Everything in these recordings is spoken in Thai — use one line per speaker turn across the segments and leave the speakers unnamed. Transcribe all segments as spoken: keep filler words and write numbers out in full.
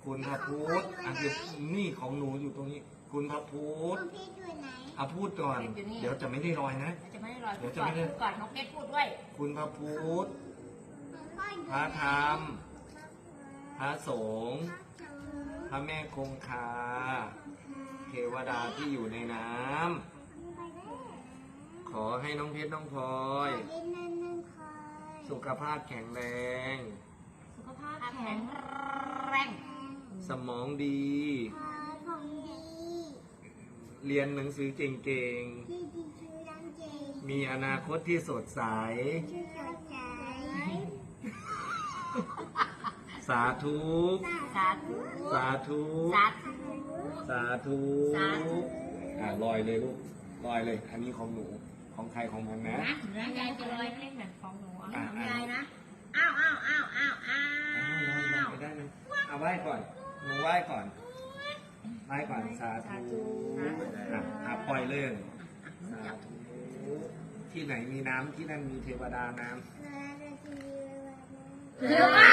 คุณพระพุทธอ่ะคือนี่ของหนูอยู่ตรงนี้ คุณพระพุทธ
คุณพี่อยู่ไหน
เอาพูดก่อน เดี๋ยวจะไม่ได้ลอยนะ
จะไม่ได้ลอย
เดี๋
พู
ยว
ด
จะ
ก่อน
ไม่ได้
พูดก่อนน้องเพชรพูดด้วย
คุณพระพุทธ
พ่ออยู่
พระธรรม พระสงฆ์ พระแม่คงคา เทวดาที่อยู่ในน้ำ ขอให้น้องเพชรน้องพลอย สุขภาพแข็งแรง
สุขภาพแข็งแรง
สมองดี
ของดี
เรียนหนังสือเก่ง
ที่ดีชื่อดังเจ
ๆ มีอนาคตที่สดใส
ชื่อสดใส
สาธุ
สาธุ
สาธุ
สาธุ
สาธุ
สาธุ
อ่ะลอยเลยลูก ลอยเลย อันนี้ของหนู ของใครของมันนะ
นะนะยายจะลอยเล่นแบบของหนูเอา
อ่ะ
ของ
อ่ะ
ยายนะ อ้าวอ้าวอ้าวอ้าวอ้า
อ้าวลอยลอยว ไปได้นะเอาไหว้ก่อน หนูไหว้ก่อน ไหว้ก่อน สาธุอ่ะอ่ะปล่อยเลยสาธุ ที่ไหนมีน้ำที่นั่นมีเทวดาน้ำ
เดี๋ยวมา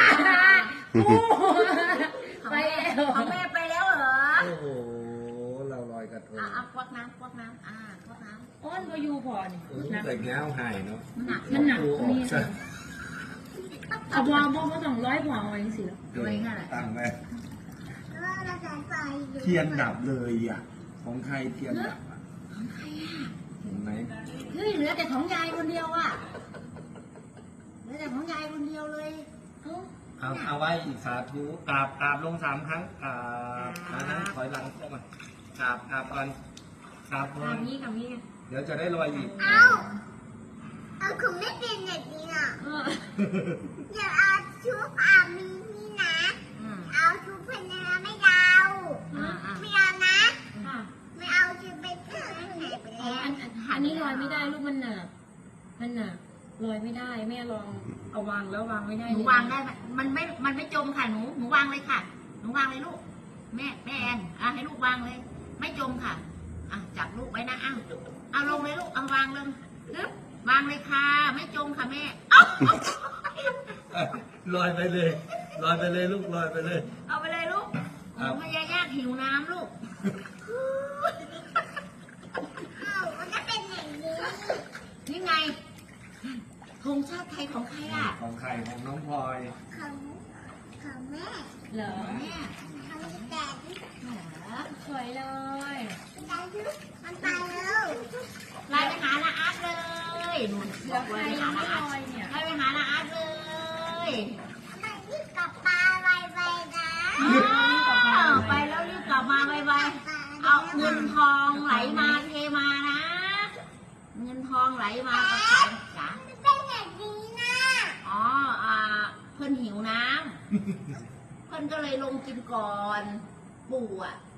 ไปแล้วของแม่ไปแล้วเหรอ
โอ้โห เราลอยกระทง
อ่ะอ่ะควักน้ำควักน้ำอ่าควักน้
อ้อนก็อยู่พอนี่
อืมแต่แง้วหายเนาะ
ำหนัก
มันหนัก
ดูออก
นี่
ซะ
เอาบอลบอลสองร้อยพอเอาไว้สิแล้ว
เอาไว้งั้นแหละ
ตั้งไว้
เราจะไปอยู่
เทียนดับเลยอ่ะ ของใครเทียนดับอ่ะ
ของใครอ่ะ
เห็นไหม
เฮ้ยเหลือแต่ของยายคนเดียวอ่ะเหลือแต่ของยายคนเดียวเลยเอ้า
เอาเอาไว้อีกสาธุกราบกราบลงสามครั้งกราบนะนะถอยหลังเข้ามากราบกราบก่อนกราบก่อน
คำนี้คำนี้
เดี๋ยวจะได้ลอยอีก
เอาเอาคุณไม่เป็นแบบนี้อ่ะ
เออ
เดี๋ยวเอาชุบอามีนี่นะ
อืม
เอาชุบเพนนะไม่เอา
อ่าอ่า
ไม่เอานะ
อ่า
ไม่เอาชุบไปเถอะไหนไป
อ๋อ
แล้ว
อันอันอันนี้ลอยไม่ได้ลูกมันหนักมันหนักลอยไม่ได้แม่ลองเอาวางแล้ววางไม่ได้
หนูวางได้ไหมมันไม่ มันไม่จมค่ะหนู หนูวางเลยค่ะ หนูวางเลยลูก แม่ แม่แอนอ่ะให้ลูกวางเลย ไม่จมค่ะ อ่ะจับลูกไว้นะอ้าวเอาลงเลยลูก เอาวางลงปึ๊บวางเลยค่ะ ไม่จมค่ะแม่เอ้า
ลอยไปเลยลอยไปเลยลูกลอยไปเลย
เอาไปเลยลูก
ครั
โอ้
บ
มายายากหิวน้ำลูก
เอามันก็เป็นอย่างนี้
นี่ไงธงชาติไทยของใครอ่ะ
ของใครของน้องพลอย
ของของแม่
เหรอ
แม่
ของแดด
เหรอ
สวยเลย
แดดมันไปแล้ว
ไล่ไปหาละอาร์ตเลยหนูบอกเลยไปหาละอาร์ต
ลอยเนี่ย
ไล่ไปหาละอาร์ตเลย
มันรีบกลับปลาไวๆนะ
อ้าวไปแล้วรีบกลับมาไว
ปลา
ๆเอาเงินทองไหลมาเทมานะ เงินทองไหลมากับสายจ๋า
มันเป็นอย่างนี้นะ
อ๋ออ่าเพิ่นหิวน้ำ เพิ่นก็เลยลงกินก่อน ปู่อ่ะ